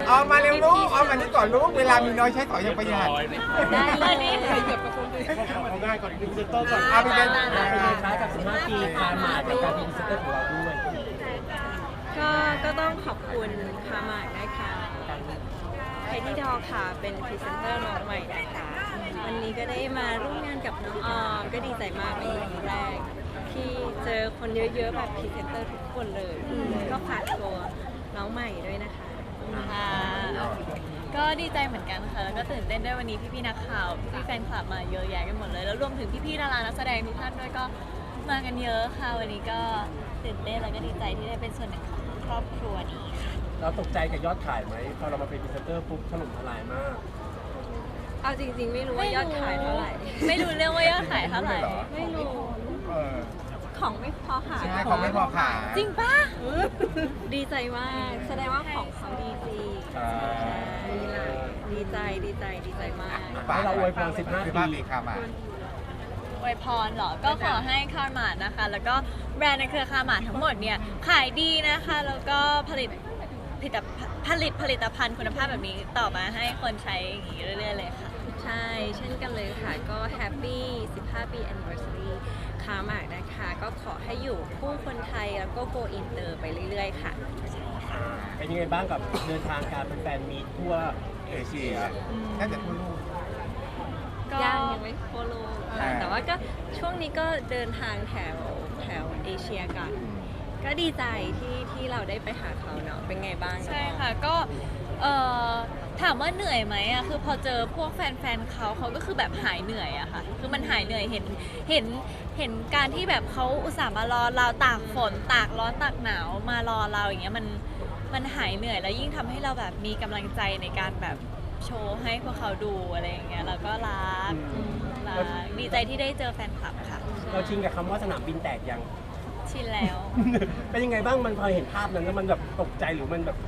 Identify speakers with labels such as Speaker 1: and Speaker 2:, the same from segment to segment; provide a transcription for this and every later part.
Speaker 1: เอามาเร็วลูกเอามานี่ก่อนลูกเวลามีน้อยใช้ต่อยังประหยัด
Speaker 2: ได้เลย
Speaker 3: เอาง่ายก่อนอีกหนึ่งพรีเซนเตอร์ก่อน
Speaker 1: เอาไปเลย
Speaker 3: เป็นไงคะกับ15 ปีคาร์มากับการเป็นพรีเซนเตอร์ของเราด้วย
Speaker 2: ก็ต้องขอบคุณคามาร์กนะคะไทที่ดอค่ะเป็นพรีเซนเตอร์น้องใหม่นะคะวันนี้ก็ได้มาร่วมงานกับน้องออมก็ดีใจมากเป็นครั้งแรกที่เจอคนเยอะๆแบบพรีเซนเตอร์ทุกคนเลยก็ฝากตัวน้องใหม่ด้วยนะคะ
Speaker 4: ค่ะก็ดีใจเหมือนกันค่ะ แล้วก็ตื่นเต้นด้วยวันนี้พี่ๆนักข่าว พี่ๆแฟนคลับมาเยอะแยะกันหมดเลย แล้วรวมถึงพี่ๆดารานักแสดงทุกท่านด้วยก็มากันเยอะค่ะ วันนี้ก็ตื่นเต้นแล้วก็ดีใจที่ได้เป็นส่วนหนึ่งของครอบครัวนี้ค่ะ
Speaker 3: เราตกใจกับยอดขายไหมพอเรามาเป็นพรีเซนเตอร์ปุ๊บถล่มทลายมาก
Speaker 2: เอาจริงๆไม่รู้ว่ายอดขายเท่าไหร่
Speaker 4: ไม่รู้เรื่องว่ายอดขายเท่าไหร่
Speaker 2: ไม่รู้
Speaker 1: เออ
Speaker 2: ของไม่พอขาย
Speaker 1: ใช่ของไม่พอขาย
Speaker 4: จริงปะ
Speaker 2: ดีใจมากแสดงว่าของเขาดีจริง
Speaker 3: ใช่
Speaker 2: ดีใจดีใจมาก
Speaker 3: ให้เราอวยพร15 ปี
Speaker 1: ปีค่ะมา
Speaker 4: อวยพรเหรอ ก็ขอให้คาร์มาร์นะคะ แล้วก็แบรนด์ในเครือคาร์มาร์ทั้งหมดเนี่ยขายดีนะคะ แล้วก็ผลิตผลิตภัณฑ์คุณภาพแบบนี้ต่อมาให้คนใช้อย่างนี้เรื่อยๆเลยค่ะ
Speaker 2: ใช่เช่นกันเลยค่ะ ก็แฮปปี้15 ปี anniversary คามาร์กนะคะ ก็ขอให้อยู่คู่คนไทยแล้วก็ go inter ไปเรื่อยๆค่ะ
Speaker 3: เป็นยังไงบ้างกับเดินทางการเป็นแฟนมีทั่ว
Speaker 1: เอเชียน่าจะทั่วโลก
Speaker 2: ยังไม่โฟโลก
Speaker 1: อ่า
Speaker 2: แต่ว่าก็ช่วงนี้ก็เดินทางแถวเอเชียกัน ก็ดีใจที่เราได้ไปหาเขาเนาะ เป็นไงบ้าง
Speaker 4: ใช่ค่ะก็ถามว่าเหนื่อยไหมอะคือพอเจอพวกแฟนๆเขาก็คือแบบหายเหนื่อยอะค่ะคือมันหายเหนื่อยเห็นการที่แบบเขาอุตส่าห์มารอเราตากฝนตากร้อนตากหนาวมารอเราอย่างเงี้ยมันหายเหนื่อยแล้วยิ่งทำให้เราแบบมีกำลังใจในการแบบโชว์ให้พวกเขาดูอะไรอย่างเงี้ยแล้วก็รักดีใจที่ได้เจอแฟนคลับค่ะ
Speaker 3: เราชินกับคำว่าสนามบินแตกยัง
Speaker 4: ชินแล้ว
Speaker 3: เป็นยังไงบ้างมันพอเห็นภาพนั้นแล้วมันแบบตกใจหรือมันแบบ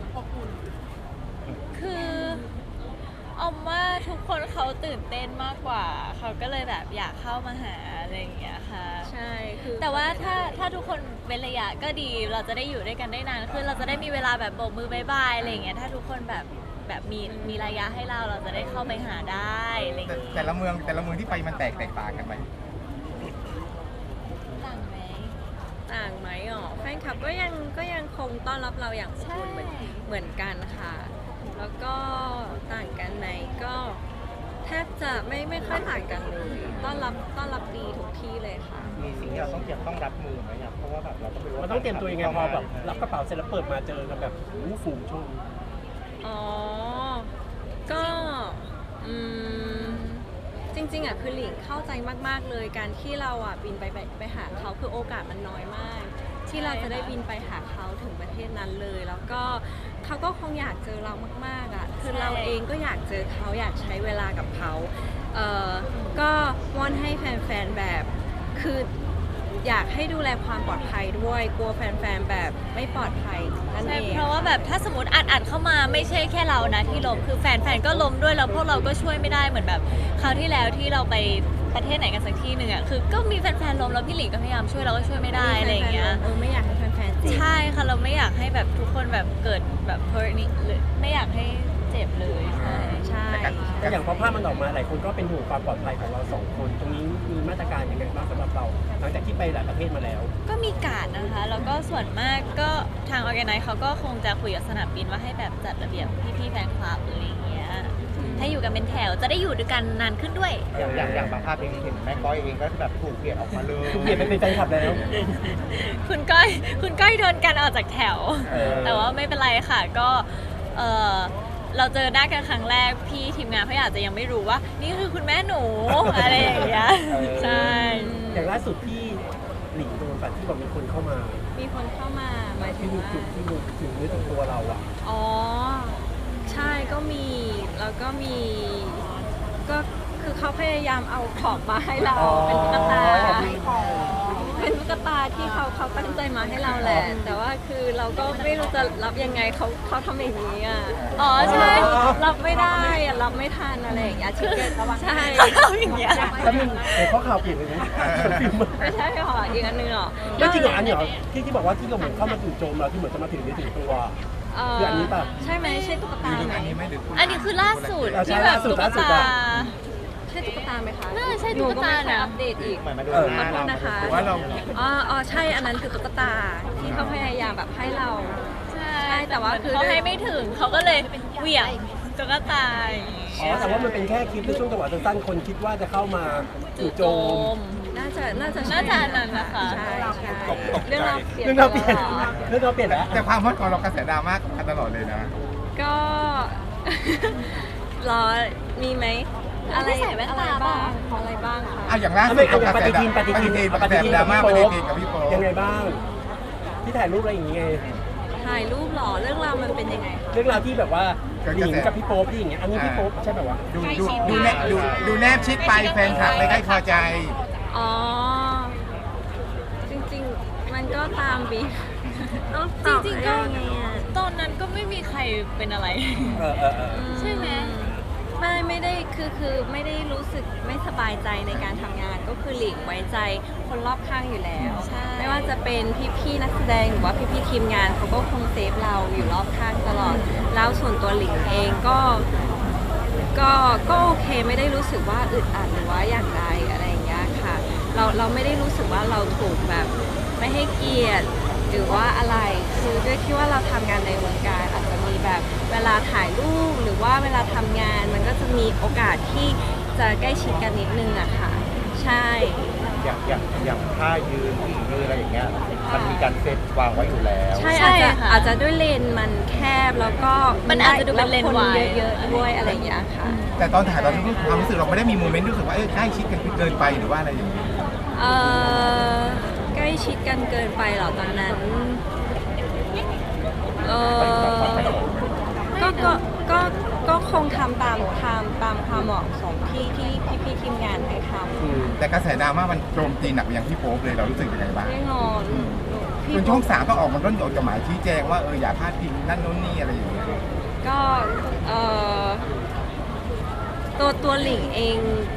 Speaker 4: คือออมว่าทุกคนเขาตื่นเต้นมากกว่า เขาก็เลยแบบอยากเข้ามาหาอะไรอย่างเงี้ยค่ะ
Speaker 2: ใช่คือ
Speaker 4: แต่ว่าถ้าทุกคนเว้นระยะก็ดี เราจะได้อยู่ด้วยกันได้นานขึ้นเราจะได้มีเวลาแบบโบกมือบายบายอะไรอย่างเงี้ย ถ้าทุกคนแบบมีระยะให้เราจะได้เข้าไปหาได้อะไรอย่างเงี้ย
Speaker 1: แต่ละเมืองที่ไปมันแตกต่างกันไหม
Speaker 4: ต่างไหม
Speaker 2: ต่างไหมอ๋อแฟนคลับก็ยังคงต้อนรับเราอย่างอบอุ่นเหมือนกันค่ะ แล้วก็ต่างกันไหมก็แทบจะไม่ค่อยต่างกันเลยต้อนรับดีทุกที่เลยค่ะ
Speaker 5: มีสิ่งที่เราต้องรับมือไหมครับเพราะว่าแบบเราก็ไม่รู้
Speaker 3: มันต้องเตรียมตัวยังไงพอแบบรับกระเป๋าเสร็จแล้วเปิดมาเจอกันแบบฝูงชน
Speaker 2: อ๋อ ก็จริงๆอ่ะคือหลิงเข้าใจมากๆเลยการที่เราอ่ะบินไปหาเขาคือโอกาสมันน้อยมาก ที่เราจะได้บินไปหาเขาถึงประเทศนั้นเลย แล้วก็เขาก็คงอยากเจอเรามากๆอ่ะคือเราเองก็อยากเจอเขาอยากใช้เวลากับเขาก็วอนให้แฟนๆแบบคืออยากให้ดูแลความปลอดภัยด้วยกลัวแฟนๆแบบไม่ปลอดภัยนั่น
Speaker 4: ใช่
Speaker 2: เอง
Speaker 4: เพราะว่าแบบถ้าสมมติอัดเข้ามาไม่ใช่แค่เรานะที่ล้มคือแฟนๆก็ล้มด้วยแล้วพวกเราก็ช่วยไม่ได้เหมือนแบบคราวที่แล้วที่เราไปประเทศไหนกันสักที่หนึ่งอ่ะคือก็มีแฟนๆล้มแล้วพี่หลิงก็พยายามช่วยเราก็ช่วยไม่ได้อะไรอย่างเงี้ย
Speaker 2: ไม่อยากให้แฟนๆเจ็บ
Speaker 4: ใช่ค่ะเราไม่อยากให้แบบทุกคนแบบเกิดแบบ hurt นี่หรือไม่อยากให้เจ็บเลยใช่
Speaker 2: ใช่
Speaker 3: แต่อย่างพอภาพมันออกมาหลายคนก็เป็นห่วงความปลอดภัยของเราสองคน ตรงนี้มีมาตรการยังไงบ้างสำหรับเรา หลังจากที่ไปหลายประเทศมาแล้ว
Speaker 4: ก็มีการดนะคะแล้วก็ส่วนมากก็ทาง organize เขาก็คงจะคุยกับสนามบินว่าให้แบบจัดระเบียบพี่ๆแฟนคลับอะไรอย่างเงี้ยให้อยู่กันเป็นแถวจะได้อยู่ด้วยกันนานขึ้นด้วย
Speaker 5: อย่างบางภาพเองเห็นแม่ก้อยเองก็แบบถูกเปลี่ยนออกมาเลย
Speaker 3: เปลี่ยนไปเป็นแฟนคลับแล้ว
Speaker 4: คุณก้อยโดนกันออกจากแถว แต่ว่าไม่เป็นไรค่ะก็เราเจอหน้ากันครั้งแรกพี่ทีมงานเขาอาจจะยังไม่รู้ว่า นี่คือคุณแม่หนู อะไรอย่างเงี้ยใช่
Speaker 3: อย่างล่าสุดที่หลิงโดนแบบที่บอกมีคนเข้ามา
Speaker 2: มีคนเข้ามาหมายถึ
Speaker 3: ที่
Speaker 2: ง
Speaker 3: มี
Speaker 2: ว่า
Speaker 3: จุดที่มือถึงเนื้อถึงตัวเราอ่ะ
Speaker 2: อ๋อ ใช่ก็มีแล้วก็มีก็คือเขาพยายามเอาของมาให้เรา
Speaker 3: อ๋อ
Speaker 2: เป็นตุ๊กตาเป็นตุ๊กตาที่เขาตั้งใจมาให้เราแหละ แต่ว่าคือเราก็ไม่รู้จะรับยังไงเขาทำอย่างนี้อ่ะ
Speaker 4: อ๋อใช่
Speaker 2: รับไม่ได้อะรับไม่ทันอะไรอย่างเงี้ยชิคเก้นใช่
Speaker 4: เขาทำอย่างเงี้ย
Speaker 3: แล้วมันเห็นข้อข่าวเปลี่ยนเลยนะ
Speaker 2: ไม่ใช่หรออีกอันนึงหรอ
Speaker 3: ไม่จริงเหรออันนี้เหรอที่บอกว่าที่เราเหมือนเข้ามาจู่โจมเราที่เหมือนจะมาถึงเนื้อถึงตัวคืออันนี้ป่ะ
Speaker 2: ใช่ไหมใช่ตุ๊กตาไหม
Speaker 1: อันนี้ไหมหรือคุณ
Speaker 4: อันนี้คือล่าสุด
Speaker 3: เอาใช่
Speaker 4: ที่แบบ
Speaker 3: ล่าสุด
Speaker 4: ตุ๊ก
Speaker 3: ล่าสุด
Speaker 4: ตา
Speaker 3: อะ
Speaker 2: ใช่ตุ๊กตาไหมคะ
Speaker 4: น่าใช่ตุ๊กตา
Speaker 2: หนูก็ไม่ค่อย
Speaker 4: นะ
Speaker 2: อัปเดตอีก
Speaker 5: เหมือนมาดู
Speaker 3: เออ
Speaker 5: ห
Speaker 2: ขอ
Speaker 5: น้า
Speaker 2: โทษ
Speaker 5: เรา
Speaker 2: นะคะ
Speaker 1: หรือว่าเรา
Speaker 2: อ๋อใช่อันนั้นคือตุ๊กตาที่เขาพยายามแบบให้เรา
Speaker 4: ใช่
Speaker 2: ใช่แต่ว่าคือ
Speaker 4: เขาให้ไม่ถึงเขาก็เลยเหวี่ยงตุ๊กตาอย่างงี้
Speaker 3: อ๋อแต่ว่ามันเป็นแค่คลิปในช่วงจังหวะสั้นๆคนคิดว่าจะเข้ามาจู่โจม
Speaker 2: น่าจะใช่
Speaker 4: น่าจะอันนั้นนะคะ
Speaker 2: ใช่ใช่
Speaker 1: ตกใจ
Speaker 2: เรื่องเราเปลี่ยน
Speaker 3: เรื่องเราเปลี่ยน
Speaker 2: ตลอด
Speaker 3: เรื่องเราเปลี่ยนแล้ว
Speaker 1: แต่ความฮอตของเรากระแสดราม่ากันตลอดเลยนะ
Speaker 2: ก็ รอมีไหมอะไร
Speaker 4: ไม่ใส่แว่นตา
Speaker 2: อะไร
Speaker 4: เปล่า
Speaker 2: บ้างอะไรบ้างคะ
Speaker 1: อ่ะอย่างล่าสุ
Speaker 3: ไม่
Speaker 1: ด
Speaker 3: เอาอย่าง
Speaker 1: ก
Speaker 3: ป
Speaker 1: ระแส
Speaker 3: ฏิทิน
Speaker 1: กระแสดราม่าปฏิทินกับพี่โป๊
Speaker 3: ยังไงบ้าง ที่ถ่ายรูปอะไรอย่างเงี้ย
Speaker 2: ถ่ายรูปเหรอเรื่องราวมันเป็นยังไงคะ
Speaker 3: เรื่องราวที่แบบว่าหลิงกับพี่โป๊ปที่อย่างเงี้ยอันนี้พี่โป๊ปใช่แบบว่า
Speaker 1: ดูแนบชิดไปแฟนคลับเลยใกล้พอใจ
Speaker 2: อ๋อ จริงๆ มันก็ตามบีต้องตอบ
Speaker 4: จริงๆก็
Speaker 2: ยังไงอะ
Speaker 4: ตอนนั้นก็ไม่มีใครเป็นอะไร ใช่ไหม
Speaker 2: ไม่ได้คือไม่ได้รู้สึกไม่สบายใจในการทำงานก็คือหลีกไว้ใจคนรอบข้างอยู่แล้ว
Speaker 4: ใช่
Speaker 2: ไม่ว่าจะเป็นพี่ๆนักแสดงหรือว่าพี่ๆทีมงานเขาก็คงเซฟเราอยู่รอบข้างตลอด แล้วส่วนตัวหลิงเองก็โอเคไม่ได้รู้สึกว่าอึดอัดหรือว่าอย่างไรอะไรอย่างเงี้ยค่ะ เราไม่ได้รู้สึกว่าเราถูกแบบไม่ให้เกียรติหรือว่าอะไรคือด้วยที่ว่าเราทำงานในวงการอาจจะมีแบบเวลาถ่ายรูปหรือว่าเวลาทำงานมันก็จะมีโอกาสที่จะใกล้ชิดกันนิดนึงอะค่ะใช่
Speaker 5: อย่างท่ายืนผู้หญิงยืนอะไรอย่างเงี้ยมันมีการเซตวางไว้อยู่แล้ว
Speaker 2: ใช่
Speaker 4: ใช่
Speaker 2: อาจจะ
Speaker 4: ค่ะ
Speaker 2: ด้วยเลนส์มันแคบแล้วก็
Speaker 4: มันอาจจะดูเป็นเลนส์
Speaker 2: แว
Speaker 4: วาย
Speaker 2: คเยอะๆด้วยอะไรอย่างเงี้ยค่ะ
Speaker 1: แต่ตอนถ่ายตอนนี้ความรู้สึกเราไม่ได้มีโมเมนต์รู้สึกว่าใกล้ชิดกันเกินไปหรือว่าอะไรอย่างนี้
Speaker 2: เอ่อใกล้ชิดกันเกินไปเหรอตอนนั้นเออก็คงทำตามความเหมาะสมที่พี่ทีมงานให้ทำ
Speaker 1: แต่กระแสดราม่ามันโจมตีหนักไปยังพี่โป๊ปเลยเรารู้สึกยังไงบ้าง
Speaker 2: แน่นอนพี่
Speaker 1: จนช่อง3ต้องออกมาร่นจดหมายชี้แจงว่าอย่าพลาดพิงนั่นโน้นนี่อะไรอย่างเงี้ย
Speaker 2: ก็ตัวหลิงเอง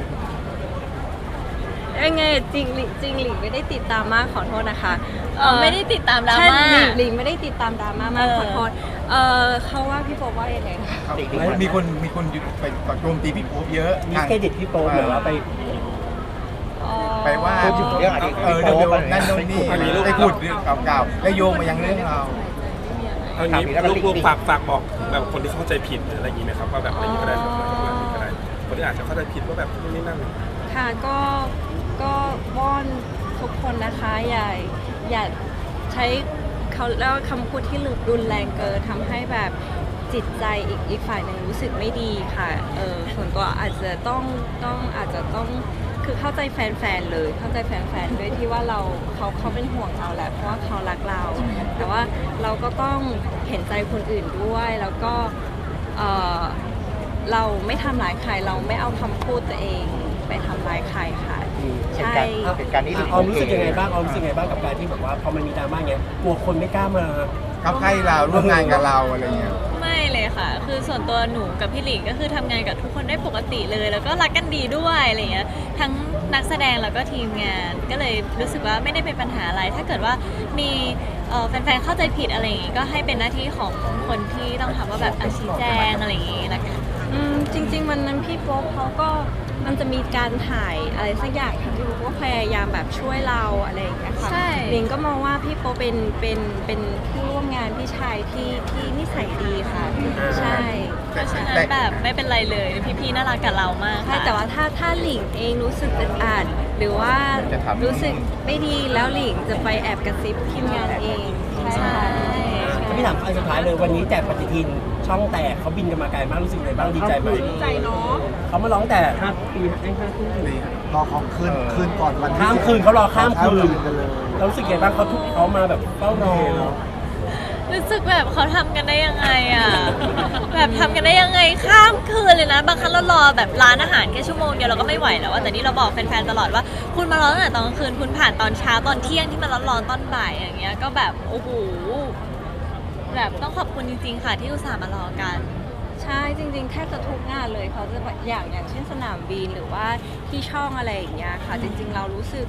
Speaker 2: ยังไงจริงหลิงไม่ได้ติดตามมากขอโทษนะคะ
Speaker 4: ไม่ได้ติดตามดรา
Speaker 2: ใช่
Speaker 4: ม่า
Speaker 2: หลิงไม่ได้ติดตามดราม่ามาก
Speaker 4: เออ
Speaker 2: ขอโทษเขาว่าพี่โป๊ปว่ายังไงคะ
Speaker 1: มีคนไปโจมตีพี่โป๊ปเยอะ
Speaker 3: มีเครดิตพี่โป๊ปหรือว่าไป
Speaker 1: ไปว่า
Speaker 5: พูดถึงเรื่องอดีต
Speaker 1: เรื่อง
Speaker 5: พี่โป๊ป
Speaker 1: นั่นโน้นนี่ไปพูดเรื่องเก่าๆแล้วโยงมายังเรื่องเรา
Speaker 6: เอางี้ลูกๆฝากบอกแบบคนที่เข้าใจผิดหรืออะไรอย่างนี้ไหมครับว่าแบบอะไรอย่างนี้ก็ได้แบบนี้ก็ได้คนที่อาจจะเข้าใจผิดว่าแบบนู่นนี่นั่น
Speaker 2: ค่ะก็วอนทุกคนนะคะอย่าใช้เขาแล้วคำพูดที่รุนแรงเกินทำให้แบบจิตใจอีกฝ่ายหนึ่งรู้สึกไม่ดีค่ะส่วนตัวอาจจะต้องคือเข้าใจแฟนๆเลยเข้าใจแฟนๆด้วยที่ว่าเขาเป็นห่วงเราแหละเพราะว่าเขารักเรา แต่ว่าเราก็ต้องเห็นใจคนอื่นด้วยแล้วก็เราไม่ทำร้ายใครเราไม่เอาคำพูดตัวเองไปทำร้ายใครค่ะใช่
Speaker 5: เหตุการณ์นี้
Speaker 3: ออมรู้สึกยังไงบ้างออมรู้สึกยังไงบ้างกับการที่แบบว่าพอมันมีดราม่าเงี้ยกลัวคนไม่กล้ามา
Speaker 1: เข้าใกล้เราร่วมงานกับเราอะไรเงี้ย
Speaker 4: ไม่เลยค่ะ คือส่วนตัวหนูกับพี่หลิงก็คือทำงานกับทุกคนได้ปกติเลย แล้วก็รักกันดีด้วยอะไรเงี้ย ทั้งนักแสดงแล้วก็ทีมงาน ก็เลยรู้สึกว่าไม่ได้เป็นปัญหาอะไร ถ้าเกิดว่ามีแฟนๆเข้าใจผิดอะไรอย่างงี้ก็ให้เป็นหน้าที่ของคนที่ต้องทำว่าแบบชี้แจงอะไรอย่างงี้ละกัน
Speaker 2: จริงๆวันนั้นพี่โป๊ปเขาก็มันจะมีการถ่ายอะไรสักอย่างที่พี่โป๊ปก็พยายามแบบช่วยเราอะไรอย่างเงี้ยค่ะ
Speaker 4: ใช่
Speaker 2: ลิงก็มองว่าพี่โป๊ปเป็นผู้ร่วมงานพี่ชายที่นิสัยดีค่ะ ใช่
Speaker 4: เพราะฉะนั้นแบบไม่เป็นไรเลยพี่ๆน่ารักกับเรามาก
Speaker 2: ใช่
Speaker 4: ค่ะ
Speaker 2: แต่ว่าถ้าหลิงเองรู้สึกอึดอัดหรือว่ารู้สึกไม่ดีแล้วหลิงจะไปแอบกระซิบทีมงานเองใช่ค่ะ
Speaker 3: พี่ถามอันสุดท้ายเลยวันนี้แจกปฏิทินช่องแตกเขาบินกันมาไกลมากรู้สึกยังไงบ้างดีใจไหมดีใจเนาะเขามาร้องแต่5 ปี5 ทุ่ม
Speaker 5: รอของคืนก่อนวัน
Speaker 3: ข้ามคืนเขารอข้ามคืน
Speaker 5: กันเลย
Speaker 3: เรารู้สึกยังไงบ้างเขามาแบบเฝ้ารอ
Speaker 4: รู้สึกแบบเขาทำกันได้ยังไงอ่ะ แบบทำกันได้ยังไงข้ามคืนเลยนะ บางครั้งเรารอแบบร้านอาหารแค่ชั่วโมงเดียวเราก็ไม่ไหวแล้วอะแต่นี่เราบอกแฟนๆตลอดว่าคุณมารอตั้งแต่ตอนกลางคืนคุณผ่านตอนเช้าตอนเที่ยงที่มันร้อนๆตอนบ่ายอย่างเงี้ยก็แบบโอ้โหแบบต้องขอบคุณจริงๆค่ะที่อุตส่าห์มารอกัน
Speaker 2: ใช่จริงๆแทบจะทุกงานเลยเขาจะแบบอย่างเช่นสนามบินหรือว่าที่ช่องอะไรอย่างเงี้ยค่ะจริงๆเรารู้สึก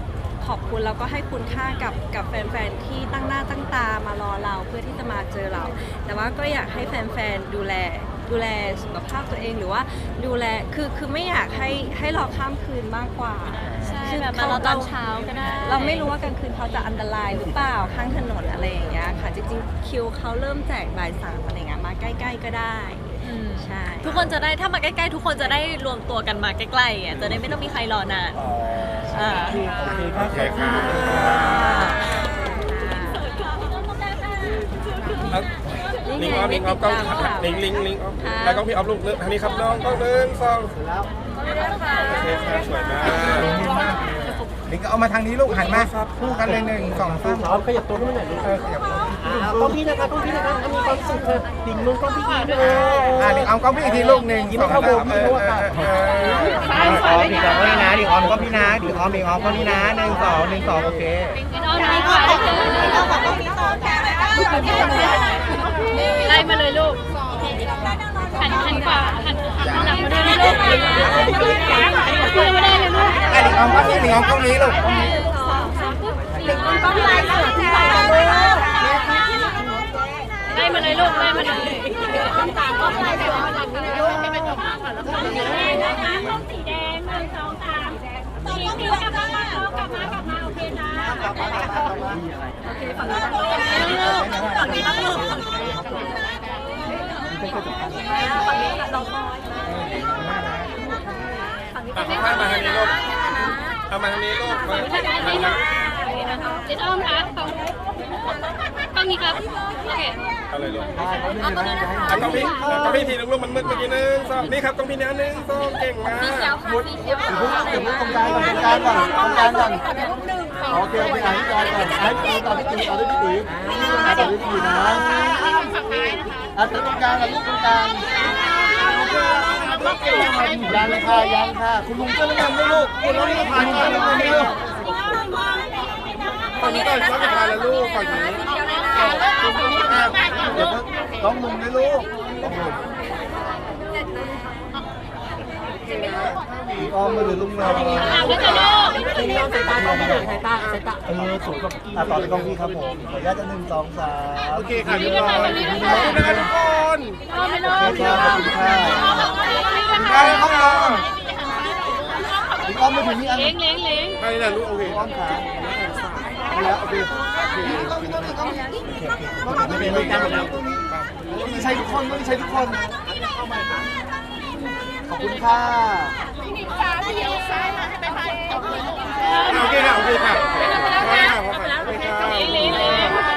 Speaker 2: ขอบคุณแล้วก็ให้คุณค่ากับแฟนๆที่ตั้งหน้าตั้งตามารอเราเพื่อที่จะมาเจอเรา แต่ว่าก็อยากให้แฟนๆดูแลสุขภาพตัวเองหรือว่าดูแลคือไม่อยากให้รอข้ามคืนมากกว่า
Speaker 4: ใช่
Speaker 2: คือ
Speaker 4: แบบมารอตอนเช้าก็ได้
Speaker 2: เราไม่รู้ว่ากลางคืนเขาจะอันตรายหรือเปล่าข้างถนนอะไรอย่างเงี้ยค่ะจริงๆคิวเขาเริ่มแจกบ่าย 3อะไรเงี้ยมาใกล้ๆก็ได้
Speaker 4: อืม
Speaker 2: ใช่
Speaker 4: ทุกคนจะได้ถ้ามาใกล้ๆทุกคนจะได้รวมตัวกันมาใกล้ๆอ่ะจะได้ไม่ต้องมีใครรอนาน
Speaker 3: อ๋อโอเคครับ
Speaker 6: โอเคครับลิงออฟลิงออฟก็ลิงออฟแล้วก็พี่ออฟลูกทางนี้ครับน้องก็1 2โอเคครับสวยมาก
Speaker 1: ลิงก็เอามาทางนี้ลูกหันมาคู่กันเลย1 2 3
Speaker 3: พร้อมขยับตัวขึ้นมาหน่อยลูก
Speaker 1: ขยับ
Speaker 3: กล้องพี่นะคะกล้องพี่นะคะมีความสุขเถอะดิ่งลงกล้องพี่อีก
Speaker 1: ลิงเอากล้องพี่อีกทีลูก1
Speaker 3: ยิ้มเข้าโบพี่ด้วยค่ะ
Speaker 5: ดิงออมดิงออมก็นี่นะดิงออมก็พี่นะดิงออมก็นี่นะ1 2 1 2โอเค
Speaker 4: ไล่มาเลยลูกหันขวาหันหลังมาด้วยนะลูกคุยมาได้เลยลูก
Speaker 1: ลิงออมก็นี่ลิงออมกล้องนี้ลูก
Speaker 4: ไล่มาเลยลูกไล่มาเลยสีแดง1 2 3สีเขียวกลับมาโอเคนะ
Speaker 6: ข้ามมาทางนี้ลูกเอามาทางนี้ลูกมา
Speaker 4: เด็ดอ้อมครับตรงนี้ครับโอเค
Speaker 6: เอาเลยลูกเอาต้องพี่ทีลูกมันมืดเมื่อกี้1 2นี่ครับต้องพี่นะ1 2เก่งมาก
Speaker 5: ตรงกลางก่อนโอเคอ่านที่กลางก่อนอ่านที่ต่อที่ตีต่อที่ตีนะอ่านตรงกลางลูกตรงกลางยังค่ะคุณลุงก็เล่นด้วยลูกคุณลุงก็ผ่านกันเลยลูก
Speaker 6: ฝั่งนี้ก่อนซ้อนผ่านแล้วลูกฝั่งนี้
Speaker 5: เดี๋ยวต้องลุงด้วยลูกออมมาหรือลุงเรา
Speaker 3: นี่น้องสายตาน้องพี่หน่อยสายตาสูงกว่าพี่
Speaker 5: ต่อไปกล้องพี่ครับผมขออนุญาตจะ1 2 3
Speaker 6: โอเคค่ะทุกคนขอบคุณนะทุกคน
Speaker 5: ขอบคุณค่ะห้องนอนอีกอ้อมมาถึงนี่อัน
Speaker 4: เล้ง
Speaker 6: ไปนะลูกโอเค
Speaker 5: อ้อมขาแล้วโอเคไม่เป็นไรกันแล้วต้องใช้ทุกคนขอบคุณค่ะ
Speaker 6: โอเคค่ะโอเคค่ะโอเคค่ะ